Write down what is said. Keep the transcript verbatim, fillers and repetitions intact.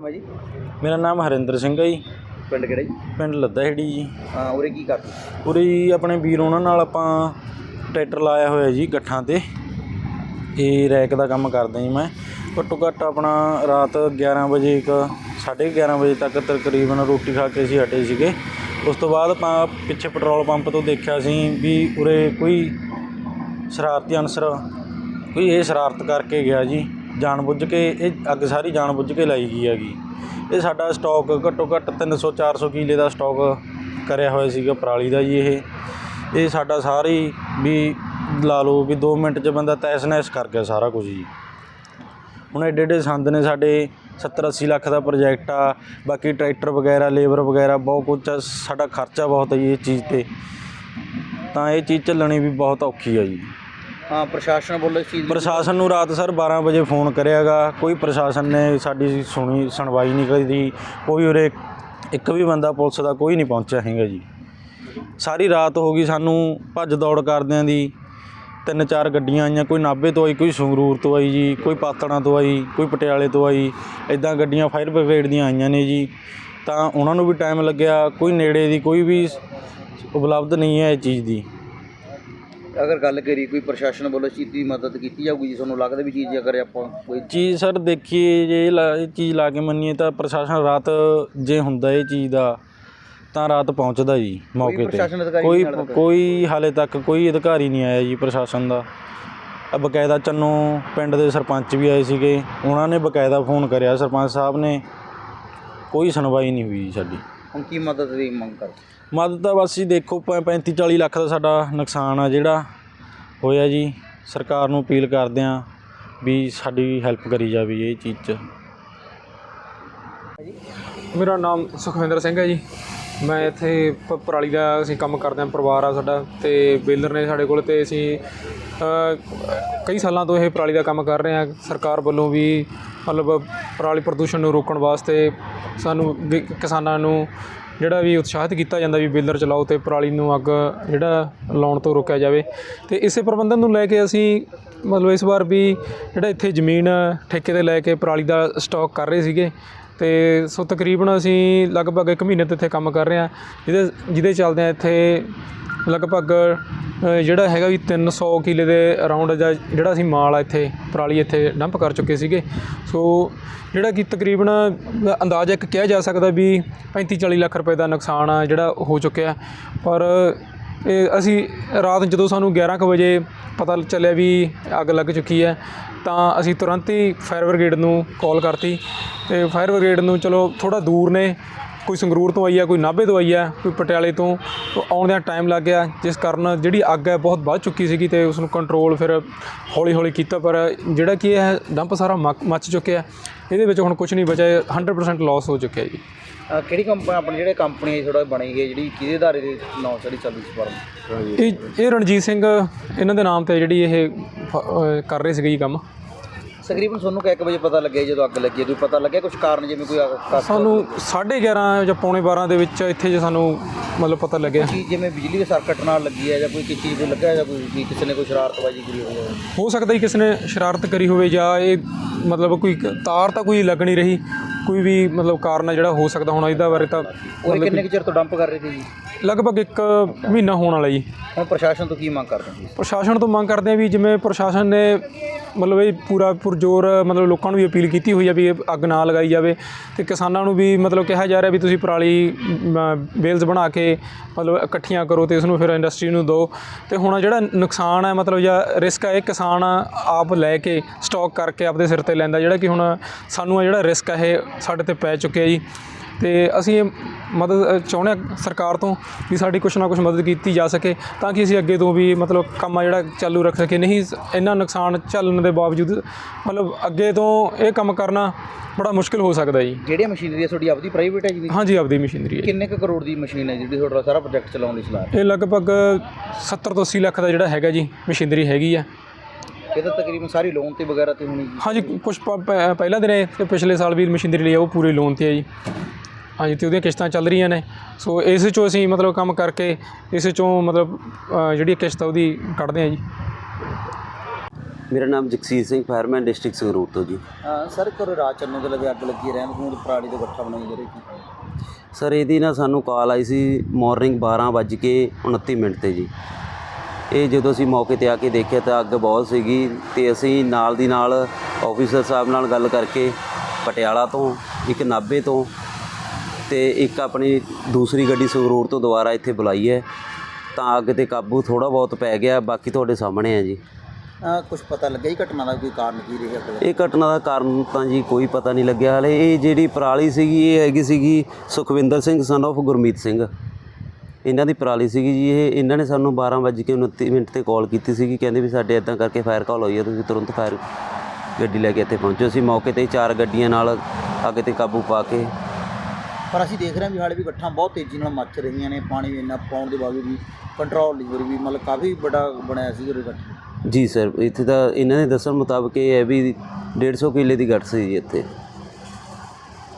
ਨਾਮ ਹੈ ਜੀ? ਮੇਰਾ ਨਾਮ ਹਰਿੰਦਰ ਸਿੰਘ ਹੈ ਜੀ। ਪਿੰਡ ਕਿਹੜਾ ਜੀ? ਪਿੰਡ ਲੱਦਾਹੇੜੀ ਜੀ। ਹਾਂ, ਉਰੇ ਕੀ ਕਰਦੇ? ਉਰੇ ਜੀ ਆਪਣੇ ਵੀਰ ਉਹਨਾਂ ਨਾਲ ਆਪਾਂ ਟਰੈਕਟਰ ਲਾਇਆ ਹੋਇਆ ਜੀ ਗੱਠਾਂ 'ਤੇ। ਇਹ ਰੈਕ ਦਾ ਕੰਮ ਕਰਦਾ ਜੀ ਮੈਂ। ਘੱਟੋ ਘੱਟ ਆਪਣਾ ਰਾਤ ਗਿਆਰਾਂ ਵਜੇ ਇੱਕ ਸਾਢੇ ਗਿਆਰਾਂ ਵਜੇ ਤੱਕ ਤਕਰੀਬਨ ਰੋਟੀ ਖਾ ਕੇ ਅਸੀਂ ਹਟੇ ਸੀਗੇ। ਉਸ ਤੋਂ ਬਾਅਦ ਆਪਾਂ ਪਿੱਛੇ ਪੈਟਰੋਲ ਪੰਪ ਤੋਂ ਦੇਖਿਆ ਸੀ ਵੀ ਉਰੇ ਕੋਈ ਸ਼ਰਾਰਤੀ ਅਨਸਰ ਕੋਈ ਇਹ ਸ਼ਰਾਰਤ ਕਰਕੇ ਗਿਆ ਜੀ, ਜਾਣ ਬੁੱਝ ਕੇ ਇਹ ਅੱਗ ਸਾਰੀ ਜਾਣ ਬੁੱਝ ਕੇ ਲਾਈ ਗਈ ਹੈਗੀ। ਇਹ ਸਾਡਾ ਸਟੋਕ ਘੱਟੋ ਘੱਟ ਤਿੰਨ ਸੌ ਚਾਰ ਸੌ ਕਿੱਲੇ ਦਾ ਸਟੋਕ ਕਰਿਆ ਹੋਇਆ ਸੀਗਾ ਪਰਾਲੀ ਦਾ ਜੀ। ਇਹ ਇਹ ਸਾਡਾ ਸਾਰੀ ਵੀ ਲਾ ਲਓ ਵੀ ਦੋ ਮਿੰਟ 'ਚ ਬੰਦਾ ਤਹਿਸ ਨਹਿਸ ਕਰ ਗਿਆ ਸਾਰਾ ਕੁਝ ਜੀ। ਹੁਣ ਐਡੇ ਐਡੇ ਸੰਦ ਨੇ ਸਾਡੇ, ਸੱਤਰ ਅੱਸੀ ਲੱਖ ਦਾ ਪ੍ਰੋਜੈਕਟ ਆ, ਬਾਕੀ ਟਰੈਕਟਰ ਵਗੈਰਾ ਲੇਬਰ ਵਗੈਰਾ ਬਹੁਤ ਕੁਛ ਆ, ਸਾਡਾ ਖਰਚਾ ਬਹੁਤ ਹੈ ਜੀ ਇਸ ਚੀਜ਼ 'ਤੇ। ਤਾਂ ਇਹ ਚੀਜ਼ ਚੱਲਣੀ ਵੀ ਬਹੁਤ ਔਖੀ ਆ ਜੀ। ਹਾਂ, ਪ੍ਰਸ਼ਾਸਨ ਵੱਲੋਂ ਇਸ ਚੀਜ਼ ਪ੍ਰਸ਼ਾਸਨ ਨੂੰ ਰਾਤ ਸਰ ਬਾਰਾਂ ਵਜੇ ਫੋਨ ਕਰਿਆ ਗਾ, ਕੋਈ ਪ੍ਰਸ਼ਾਸਨ ਨੇ ਸਾਡੀ ਸੁਣੀ ਸੁਣਵਾਈ ਨਹੀਂ ਕਰੀ। ਕੋਈ ਉਰੇ ਇੱਕ ਵੀ ਬੰਦਾ ਪੁਲਿਸ ਦਾ ਕੋਈ ਨਹੀਂ ਪਹੁੰਚਿਆ ਹੈਗਾ ਜੀ। ਸਾਰੀ ਰਾਤ ਹੋ ਗਈ ਸਾਨੂੰ ਭੱਜ ਦੌੜ ਕਰਦਿਆਂ ਦੀ। ਤਿੰਨ ਚਾਰ ਗੱਡੀਆਂ ਆਈਆਂ, ਕੋਈ ਨਾਭੇ ਤੋਂ ਆਈ, ਕੋਈ ਸੰਗਰੂਰ ਤੋਂ ਆਈ ਜੀ, ਕੋਈ ਪਾਤੜਾਂ ਤੋਂ ਆਈ, ਕੋਈ ਪਟਿਆਲੇ ਤੋਂ ਆਈ। ਇੱਦਾਂ ਗੱਡੀਆਂ ਫਾਇਰ ਬ੍ਰਿਗੇਡ ਦੀਆਂ ਆਈਆਂ ਨੇ ਜੀ। ਤਾਂ ਉਹਨਾਂ ਨੂੰ ਵੀ ਟਾਈਮ ਲੱਗਿਆ। ਕੋਈ ਨੇੜੇ ਦੀ ਕੋਈ ਵੀ ਉਪਲਬਧ ਨਹੀਂ ਹੈ ਇਹ ਚੀਜ਼ ਦੀ। ਅਗਰ ਗੱਲ ਕਰੀ ਕੋਈ ਪ੍ਰਸ਼ਾਸਨ ਵੱਲੋਂ ਇਸ ਚੀਜ਼ ਦੀ ਮਦਦ ਕੀਤੀ ਜਾਊਗੀ ਜੀ? ਤੁਹਾਨੂੰ ਲੱਗਦਾ ਵੀ ਚੀਜ਼ ਅਗਰ ਆਪਾਂ ਕੋਈ ਚੀਜ਼ ਸਰ ਦੇਖੀਏ ਜੇ ਇਹ ਲਾ ਇਹ ਚੀਜ਼ ਲਾ ਕੇ ਮੰਨੀਏ ਤਾਂ ਪ੍ਰਸ਼ਾਸਨ ਰਾਤ ਜੇ ਹੁੰਦਾ ਇਹ ਚੀਜ਼ ਦਾ ਤਾਂ ਰਾਤ ਪਹੁੰਚਦਾ ਜੀ ਮੌਕੇ 'ਤੇ। ਕੋਈ ਕੋਈ ਹਾਲੇ ਤੱਕ ਕੋਈ ਅਧਿਕਾਰੀ ਨਹੀਂ ਆਇਆ ਜੀ ਪ੍ਰਸ਼ਾਸਨ ਦਾ। ਬਕਾਇਦਾ ਚੰਨੋ ਪਿੰਡ ਦੇ ਸਰਪੰਚ ਵੀ ਆਏ ਸੀਗੇ, ਉਹਨਾਂ ਨੇ ਬਕਾਇਦਾ ਫੋਨ ਕਰਿਆ ਸਰਪੰਚ ਸਾਹਿਬ ਨੇ, ਕੋਈ ਸੁਣਵਾਈ ਨਹੀਂ ਹੋਈ ਸਾਡੀ। ਹੁਣ ਕੀ ਮਦਦ ਦੀ ਮੰਗ ਕਰ? ਮਦਦ ਤਾਂ ਬਸ ਜੀ ਦੇਖੋ ਪੈਂਤੀ ਚਾਲੀ ਲੱਖ ਦਾ ਸਾਡਾ ਨੁਕਸਾਨ ਆ ਜਿਹੜਾ ਹੋਇਆ ਜੀ। ਸਰਕਾਰ ਨੂੰ ਅਪੀਲ ਕਰਦੇ ਹਾਂ ਵੀ ਸਾਡੀ ਹੈਲਪ ਕਰੀ ਜਾਵੇ ਇਹ ਚੀਜ਼ 'ਚ। ਮੇਰਾ ਨਾਮ ਸੁਖਵਿੰਦਰ ਸਿੰਘ ਹੈ ਜੀ। ਮੈਂ ਇੱਥੇ ਪ ਪਰਾਲੀ ਦਾ ਅਸੀਂ ਕੰਮ ਕਰਦੇ ਹਾਂ, ਪਰਿਵਾਰ ਆ ਸਾਡਾ, ਅਤੇ ਬੇਲਰ ਨੇ ਸਾਡੇ ਕੋਲ। ਅਤੇ ਅਸੀਂ ਕਈ ਸਾਲਾਂ ਤੋਂ ਇਹ ਪਰਾਲੀ ਦਾ ਕੰਮ ਕਰ ਰਹੇ ਹਾਂ। ਸਰਕਾਰ ਵੱਲੋਂ ਵੀ ਮਤਲਬ ਪਰਾਲੀ ਪ੍ਰਦੂਸ਼ਣ ਨੂੰ ਰੋਕਣ ਵਾਸਤੇ ਸਾਨੂੰ ਵੀ ਕਿਸਾਨਾਂ ਨੂੰ ਜਿਹੜਾ ਵੀ ਉਤਸ਼ਾਹਿਤ ਕੀਤਾ ਜਾਂਦਾ ਵੀ ਬੇਲਰ ਚਲਾਓ ਅਤੇ ਪਰਾਲੀ ਨੂੰ ਅੱਗ ਜਿਹੜਾ ਲਾਉਣ ਤੋਂ ਰੋਕਿਆ ਜਾਵੇ। ਅਤੇ ਇਸੇ ਪ੍ਰਬੰਧਨ ਨੂੰ ਲੈ ਕੇ ਅਸੀਂ ਮਤਲਬ ਇਸ ਵਾਰ ਵੀ ਜਿਹੜਾ ਇੱਥੇ ਜ਼ਮੀਨ ਠੇਕੇ 'ਤੇ ਲੈ ਕੇ ਪਰਾਲੀ ਦਾ ਸਟਾਕ ਕਰ ਰਹੇ ਸੀਗੇ। ਅਤੇ ਸੋ ਤਕਰੀਬਨ ਅਸੀਂ ਲਗਭਗ ਇੱਕ ਮਹੀਨੇ ਤੋਂ ਇੱਥੇ ਕੰਮ ਕਰ ਰਹੇ ਹਾਂ, ਜਿਹਦੇ ਜਿਹਦੇ ਚੱਲਦਿਆਂ ਇੱਥੇ ਲਗਭਗ ਜਿਹੜਾ ਹੈਗਾ ਵੀ ਤਿੰਨ ਸੌ ਕਿੱਲੇ ਦੇ ਅਰਾਊਂਡ ਜਾਂ ਜਿਹੜਾ ਅਸੀਂ ਮਾਲ ਆ ਇੱਥੇ ਪਰਾਲੀ ਇੱਥੇ ਡੰਪ ਕਰ ਚੁੱਕੇ ਸੀਗੇ। ਸੋ ਜਿਹੜਾ ਕਿ ਤਕਰੀਬਨ ਅੰਦਾਜ਼ਾ ਇੱਕ ਕਿਹਾ ਜਾ ਸਕਦਾ ਵੀ ਪੈਂਤੀ ਚਾਲੀ ਲੱਖ ਰੁਪਏ ਦਾ ਨੁਕਸਾਨ ਆ ਜਿਹੜਾ ਹੋ ਚੁੱਕਿਆ। ਪਰ ਇਹ ਅਸੀਂ ਰਾਤ ਜਦੋਂ ਸਾਨੂੰ ਗਿਆਰਾਂ ਕੁ ਵਜੇ ਪਤਾ ਚੱਲਿਆ ਵੀ ਅੱਗ ਲੱਗ ਚੁੱਕੀ ਹੈ ਤਾਂ ਅਸੀਂ ਤੁਰੰਤ ਹੀ ਫਾਇਰ ਬ੍ਰਿਗੇਡ ਨੂੰ ਕਾਲ ਕਰਤੀ। ਅਤੇ ਫਾਇਰ ਬ੍ਰਿਗੇਡ ਨੂੰ ਚਲੋ ਥੋੜ੍ਹਾ ਦੂਰ ਨੇ, ਕੋਈ ਸੰਗਰੂਰ ਤੋਂ ਆਈ ਆ, ਕੋਈ ਨਾਭੇ ਤੋਂ ਆਈ ਆ, ਕੋਈ ਪਟਿਆਲੇ ਤੋਂ, ਆਉਂਦਿਆਂ ਟਾਈਮ ਲੱਗ ਗਿਆ, ਜਿਸ ਕਾਰਨ ਜਿਹੜੀ ਅੱਗ ਹੈ ਬਹੁਤ ਵੱਧ ਚੁੱਕੀ ਸੀਗੀ। ਅਤੇ ਉਸ ਨੂੰ ਕੰਟਰੋਲ ਫਿਰ ਹੌਲੀ ਹੌਲੀ ਕੀਤਾ, ਪਰ ਜਿਹੜਾ ਕਿ ਇਹ ਡੰਪ ਸਾਰਾ ਮੱਕ ਮੱਚ ਚੁੱਕਿਆ। ਇਹਦੇ ਵਿੱਚ ਹੁਣ ਕੁਛ ਨਹੀਂ ਬਚਿਆ, ਹੰਡਰਡ ਪਰਸੈਂਟ ਲੋਸ ਹੋ ਚੁੱਕਿਆ ਜੀ। ਕਿਹੜੀ ਕੰਪਨੀ ਆਪਣੇ ਜਿਹੜੇ ਕੰਪਨੀ ਥੋੜ੍ਹਾ ਬਣੀ ਗਈ ਜਿਹੜੀ ਕਿਹਦੇ ਅਦਾਰੇ ਦੇ ਨਾਂ ਸਾਡੀ ਚੱਲਦੀ ਸੀ ਫਰਮ? ਇਹ ਇਹ ਰਣਜੀਤ ਸਿੰਘ ਇਹਨਾਂ ਦੇ ਨਾਮ 'ਤੇ ਜਿਹੜੀ ਇਹ ਕਰ ਰਹੇ ਸੀਗੇ ਜੀ ਕੰਮ। ਤਕਰੀਬਨ ਤੁਹਾਨੂੰ ਕਿ ਇੱਕ ਵਜੇ ਪਤਾ ਲੱਗਿਆ ਜਦੋਂ ਅੱਗ ਲੱਗੀ? ਕੋਈ ਪਤਾ ਲੱਗਿਆ ਕੁਛ ਕਾਰਨ, ਜਿਵੇਂ ਕੋਈ ਸਾਨੂੰ ਸਾਢੇ ਗਿਆਰਾਂ ਜਾਂ ਪੌਣੇ ਬਾਰਾਂ ਦੇ ਵਿੱਚ ਇੱਥੇ ਜੇ ਸਾਨੂੰ ਮਤਲਬ ਪਤਾ ਲੱਗਿਆ ਕਿ ਜਿਵੇਂ ਬਿਜਲੀ ਦੇ ਸਰਕਟ ਨਾਲ ਲੱਗੀ ਹੈ ਜਾਂ ਕੋਈ ਕਿਸੇ ਚੀਜ਼ ਤੋਂ ਲੱਗਾ ਜਾਂ ਕੋਈ ਕਿਸੇ ਨੇ ਕੋਈ ਸ਼ਰਾਰਤਬਾਜ਼ੀ ਕਰੀ ਹੋਵੇ? ਹੋ ਸਕਦਾ ਜੀ ਕਿਸੇ ਨੇ ਸ਼ਰਾਰਤ ਕਰੀ ਹੋਵੇ, ਜਾਂ ਇਹ ਮਤਲਬ ਕੋਈ ਤਾਰ ਤਾਂ ਕੋਈ ਲੱਗ ਨਹੀਂ ਰਹੀ, ਕੋਈ ਵੀ ਮਤਲਬ ਕਾਰਨ ਹੈ ਜਿਹੜਾ ਹੋ ਸਕਦਾ। ਹੁਣ ਇਹਦਾ ਬਾਰੇ ਤਾਂ ਉਹ ਕਿੰਨੇ ਕੁ ਚਿਰ ਤੋਂ ਡੰਪ ਕਰ ਰਹੇ ਸੀ ਜੀ? ਲਗਭਗ ਇੱਕ ਮਹੀਨਾ ਹੋਣ ਵਾਲਾ ਜੀ। ਹੁਣ ਪ੍ਰਸ਼ਾਸਨ ਤੋਂ ਕੀ ਮੰਗ ਕਰਦੇ ਹੋ? ਪ੍ਰਸ਼ਾਸਨ ਤੋਂ ਮੰਗ ਕਰਦੇ ਹਾਂ ਵੀ ਜਿਵੇਂ ਪ੍ਰਸ਼ਾਸਨ ਨੇ ਮਤਲਬ ਇਹ ਪੂਰਾ ਪੁਰਜ਼ੋਰ ਮਤਲਬ ਲੋਕਾਂ ਨੂੰ ਵੀ ਅਪੀਲ ਕੀਤੀ ਹੋਈ ਆ ਵੀ ਇਹ ਅੱਗ ਨਾ ਲਗਾਈ ਜਾਵੇ, ਅਤੇ ਕਿਸਾਨਾਂ ਨੂੰ ਵੀ ਮਤਲਬ ਕਿਹਾ ਜਾ ਰਿਹਾ ਵੀ ਤੁਸੀਂ ਪਰਾਲੀ ਬੇਲਸ ਬਣਾ ਕੇ ਮਤਲਬ ਇਕੱਠੀਆਂ ਕਰੋ ਅਤੇ ਇਸ ਨੂੰ ਫਿਰ ਇੰਡਸਟਰੀ ਨੂੰ ਦਿਓ। ਅਤੇ ਹੁਣ ਜਿਹੜਾ ਨੁਕਸਾਨ ਹੈ ਮਤਲਬ ਜਾਂ ਰਿਸਕ ਹੈ ਇਹ ਕਿਸਾਨ ਆਪ ਲੈ ਕੇ ਸਟਾਕ ਕਰਕੇ ਆਪਦੇ ਸਿਰ 'ਤੇ ਲੈਂਦਾ, ਜਿਹੜਾ ਕਿ ਹੁਣ ਸਾਨੂੰ ਆ ਜਿਹੜਾ ਰਿਸਕ ਹੈ ਇਹ ਸਾਡੇ 'ਤੇ ਪੈ ਚੁੱਕਿਆ ਜੀ। ਅਤੇ ਅਸੀਂ ਇਹ ਮਦਦ ਚਾਹੁੰਦੇ ਹਾਂ ਸਰਕਾਰ ਤੋਂ ਵੀ ਸਾਡੀ ਕੁਛ ਨਾ ਕੁਛ ਮਦਦ ਕੀਤੀ ਜਾ ਸਕੇ, ਤਾਂ ਕਿ ਅਸੀਂ ਅੱਗੇ ਤੋਂ ਵੀ ਮਤਲਬ ਕੰਮ ਆ ਜਿਹੜਾ ਚਾਲੂ ਰੱਖ ਸਕੀਏ। ਨਹੀਂ ਇੰਨਾ ਨੁਕਸਾਨ ਝੱਲਣ ਦੇ ਬਾਵਜੂਦ ਮਤਲਬ ਅੱਗੇ ਤੋਂ ਇਹ ਕੰਮ ਕਰਨਾ ਬੜਾ ਮੁਸ਼ਕਿਲ ਹੋ ਸਕਦਾ ਜੀ। ਜਿਹੜੀਆਂ ਮਸ਼ੀਨਰੀ ਤੁਹਾਡੀ ਆਪਦੀ ਪ੍ਰਾਈਵੇਟ ਹੈ ਜੀ? ਹਾਂਜੀ, ਆਪਦੀ ਮਸ਼ੀਨਰੀ ਹੈ। ਕਿੰਨੇ ਕੁ ਕਰੋੜ ਦੀ ਮਸ਼ੀਨ ਹੈ ਜਿਹੜੀ ਤੁਹਾਡਾ ਸਾਰਾ ਪ੍ਰੋਜੈਕਟ ਚਲਾਉਣ ਦੀ ਸਲਾਹ? ਇਹ ਲਗਭਗ ਸੱਤਰ ਤੋਂ ਅੱਸੀ ਲੱਖ ਦਾ ਜਿਹੜਾ ਹੈਗਾ ਜੀ ਮਸ਼ੀਨਰੀ ਹੈਗੀ ਆ। ਇਹ ਤਾਂ ਤਕਰੀਬਨ ਸਾਰੀ ਲੋਨ 'ਤੇ ਵਗੈਰਾ 'ਤੇ ਹੋਣੀ? ਹਾਂਜੀ, ਕੁਛ ਪਹਿਲਾਂ ਦੇ ਨੇ ਅਤੇ ਪਿਛਲੇ ਸਾਲ ਵੀ ਮਸ਼ੀਨਰੀ ਲਈ ਉਹ ਪੂਰੇ ਲੋਨ 'ਤੇ ਹੈ ਜੀ। ਹਾਂਜੀ, ਅਤੇ ਉਹਦੀਆਂ ਕਿਸ਼ਤਾਂ ਚੱਲ ਰਹੀਆਂ ਨੇ। ਸੋ ਇਸ 'ਚੋਂ ਅਸੀਂ ਮਤਲਬ ਕੰਮ ਕਰਕੇ ਇਸ 'ਚੋਂ ਮਤਲਬ ਜਿਹੜੀ ਕਿਸ਼ਤ ਉਹਦੀ ਕੱਢਦੇ ਹਾਂ ਜੀ। ਮੇਰਾ ਨਾਮ ਜਗਸੀਰ ਸਿੰਘ, ਫਾਇਰਮੈਨ, ਡਿਸਟ੍ਰਿਕਟ ਸੰਗਰੂਰ ਤੋਂ ਜੀ। ਸਰ ਕਰੋ ਰਾਤ ਚੰਨੋ ਦੇ ਲਵੇ ਅੱਗ ਲੱਗੀ ਰਹਿਣ ਨੂੰ ਪਰਾਲੀ ਦੇ ਗੱਠਾ ਬਣਾਈ ਜਾ ਰਹੀ ਸੀ। ਸਰ ਇਹਦੀ ਨਾ ਸਾਨੂੰ ਕਾਲ ਆਈ ਸੀ ਮਾਰਨਿੰਗ ਬਾਰਾਂ ਵੱਜ ਕੇ ਉਨੱਤੀ ਮਿੰਟ 'ਤੇ ਜੀ। ਇਹ ਜਦੋਂ ਅਸੀਂ ਮੌਕੇ 'ਤੇ ਆ ਕੇ ਦੇਖਿਆ ਤਾਂ ਅੱਗ ਬਹੁਤ ਸੀਗੀ ਅਤੇ ਅਸੀਂ ਨਾਲ ਦੀ ਨਾਲ ਆਫੀਸਰ ਸਾਹਿਬ ਨਾਲ ਗੱਲ ਕਰਕੇ ਪਟਿਆਲਾ ਤੋਂ, ਇੱਕ ਨਾਭੇ ਤੋਂ ਅਤੇ ਇੱਕ ਆਪਣੀ ਦੂਸਰੀ ਗੱਡੀ ਸੰਗਰੂਰ ਤੋਂ ਦੁਬਾਰਾ ਇੱਥੇ ਬੁਲਾਈ ਹੈ, ਤਾਂ ਅੱਗ 'ਤੇ ਕਾਬੂ ਥੋੜ੍ਹਾ ਬਹੁਤ ਪੈ ਗਿਆ। ਬਾਕੀ ਤੁਹਾਡੇ ਸਾਹਮਣੇ ਹੈ ਜੀ। ਕੁਝ ਪਤਾ ਲੱਗਿਆ ਹੀ ਘਟਨਾ ਦਾ ਕੋਈ ਕਾਰਨ ਕੀ ਰਿਹਾ ਅੱਗ ਦਾ? ਇਹ ਘਟਨਾ ਦਾ ਕਾਰਨ ਤਾਂ ਜੀ ਕੋਈ ਪਤਾ ਨਹੀਂ ਲੱਗਿਆ ਹਾਲੇ। ਇਹ ਜਿਹੜੀ ਪਰਾਲੀ ਸੀਗੀ ਇਹ ਹੈਗੀ ਸੀਗੀ ਸੁਖਵਿੰਦਰ ਸਿੰਘ ਸਨ ਆਫ ਗੁਰਮੀਤ ਸਿੰਘ, ਇਹਨਾਂ ਦੀ ਪਰਾਲੀ ਸੀਗੀ ਜੀ। ਇਹ ਇਹਨਾਂ ਨੇ ਸਾਨੂੰ ਬਾਰਾਂ ਵੱਜ ਕੇ ਉਨੱਤੀ ਮਿੰਟ 'ਤੇ ਕਾਲ ਕੀਤੀ ਸੀਗੀ, ਕਹਿੰਦੇ ਵੀ ਸਾਡੇ ਇੱਦਾਂ ਕਰਕੇ ਫਾਇਰ ਕਾਲ ਹੋਈ ਹੈ, ਤੁਸੀਂ ਤੁਰੰਤ ਫਾਇਰ ਗੱਡੀ ਲੈ ਕੇ ਇੱਥੇ ਪਹੁੰਚੋ। ਅਸੀਂ ਮੌਕੇ 'ਤੇ ਚਾਰ ਗੱਡੀਆਂ ਨਾਲ ਅੱਗ 'ਤੇ ਕਾਬੂ ਪਾ ਕੇ, ਪਰ ਅਸੀਂ ਦੇਖ ਰਹੇ ਹਾਂ ਵੀ ਹਾਲੇ ਵੀ ਗੱਠਾਂ ਬਹੁਤ ਤੇਜ਼ੀ ਨਾਲ ਮੱਚ ਰਹੀਆਂ ਨੇ। ਪਾਣੀ ਇੰਨਾ ਪਾਉਣ ਦੇ ਬਾਵਜੂਦ ਵੀ ਕੰਟਰੋਲ ਨਹੀਂ ਹੋ ਰਹੀ, ਵੀ ਮਤਲਬ ਕਾਫੀ ਵੱਡਾ ਬਣਿਆ ਸੀ ਉਹ ਗੱਠ। ਜੀ ਸਰ, ਇੱਥੇ ਤਾਂ ਇਹਨਾਂ ਦੇ ਦੱਸਣ ਮੁਤਾਬਕ ਇਹ ਹੈ ਵੀ ਡੇਢ ਸੌ ਕਿੱਲੇ ਦੀ ਗੱਠ ਸੀ ਜੀ ਇੱਥੇ।